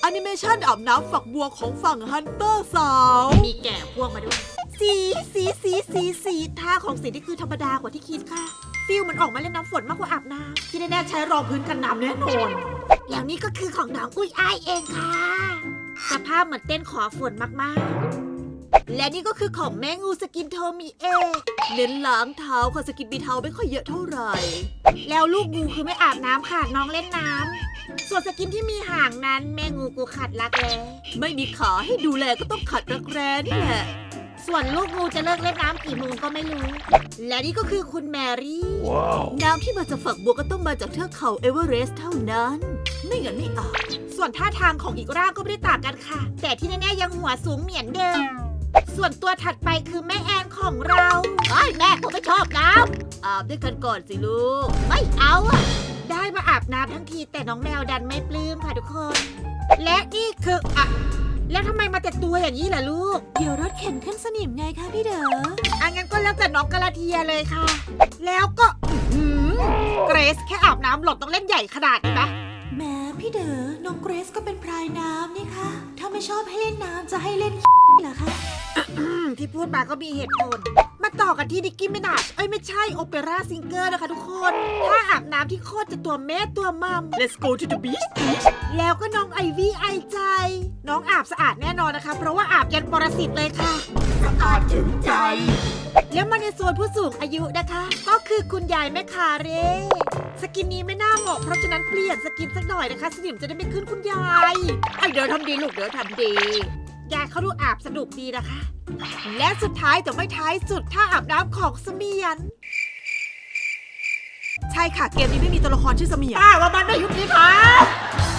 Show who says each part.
Speaker 1: อนิเมชันอาบน้ำฝักบัวของฝั่งฮันเตอร์สาว
Speaker 2: มีแก่พวกมาด้วยสีท่าของสีที่คือธรรมดากว่าที่คิดค่ะฟิลมันออกมาเล่นน้ำฝนมากกว่าอาบน้ำที่แน่ๆใช้รองพื้นกันน้ำแน่นอนอย่างนี้ก็คือของน้องอุ้ยอ้ายเองค่ะสภาพเหมือนเต้นขอฝนมากๆและนี่ก็คือของแม่งูสกินโทมิเอะ
Speaker 1: เน้นล้างเท้าค่ะสกินบีเท้าไม่ค่อยเยอะเท่าไหร่
Speaker 2: แล้วลูกงูคือไม่อาบน้ำค่ะน้องเล่นน้ำส่วนสกินที่มีหางนั้นแม่งูกูขัดรักแร้
Speaker 1: ไม่มีขาให้ดูแลก็ต้องขัดรักแร้นี่แหละ
Speaker 2: ส่วนลูกงูจะเลิกเล่นน้ำกี่โมงก็ไม่รู้และนี่ก็คือคุณแมรี่
Speaker 1: น้ำที่มาจากฝักบัวก็ต้องมาจากเทือกเขาเอเวอเรสต์เท่านั้นไม่งั้นไม่อาบ
Speaker 2: ส่วนท่าทางของอีกร่างก็ไม่ได้ต่างกันค่ะแต่ที่แน่ๆยังหัวสูงเหมือนเดิมส่วนตัวถัดไปคือแม่แอนของเราแม่ผมไม่ชอบน้
Speaker 1: ำอาบด้วยกันก่อนสิลูก
Speaker 2: ไม่เอาอะได้มาอาบน้ำทั้งทีแต่น้องแมวดันไม่ปลื้มค่ะทุกคนและนี่คือแล้วทำไมมาแต่ตัวอย่างนี้ล่ะลูก
Speaker 1: เดี๋ยวรถเข็นขึ้นสนิมไงคะพี่เด๋อ
Speaker 2: งั้นก็แล้วแต่น้องกะลาเทียเลยค่ะแล้วก็เกรซแค่อาบน้ำหลดต้องเล่นใหญ่ขนาดนี้ปะ
Speaker 1: แม่พี่เด๋อน้องเกรซก็เป็นพรายน้ำนี่ค่ะถ้าไม่ชอบให้เล่นน้ำจะให้เล่นเหรอคะ
Speaker 2: ที่พูดมาก็มีเหตุผลมาต่อกันที่ดิกกี้มินาชไม่ใช่โอเปร่าซิงเกอร์นะคะทุกคนถ้าอาบน้ำที่โคตรจะตัวแม่ตัวมัม
Speaker 1: Let's go to the beach
Speaker 2: แล้วก็น้องไอวี่ไอใจน้องอาบสะอาดแน่นอนนะคะเพราะว่าอาบยันปรสิตเลยค่ะ
Speaker 1: สะอาดถึงใจ
Speaker 2: แล้วมาในโซนผู้สูงอายุนะคะก็คือคุณยายแม่คาเร่สกินนี้ไม่น่าเหมาะเพราะฉะนั้นเปลี่ยนสกินสักหน่อยนะคะสนิมจะได้ไม่ขึ้นคุณยาย
Speaker 1: เดี๋ยวทำดีลูกเดี๋ยวทำดี
Speaker 2: ยายเขาดูอาบสนุกดีนะคะและสุดท้ายแต่ไม่ท้ายสุดถ้าอาบน้ำของเสมียน
Speaker 1: ใช่ค่ะเกมนี้ไม่มีตัวละครชื่อเสมียน
Speaker 2: ว่ามันไม่ยุติธรรม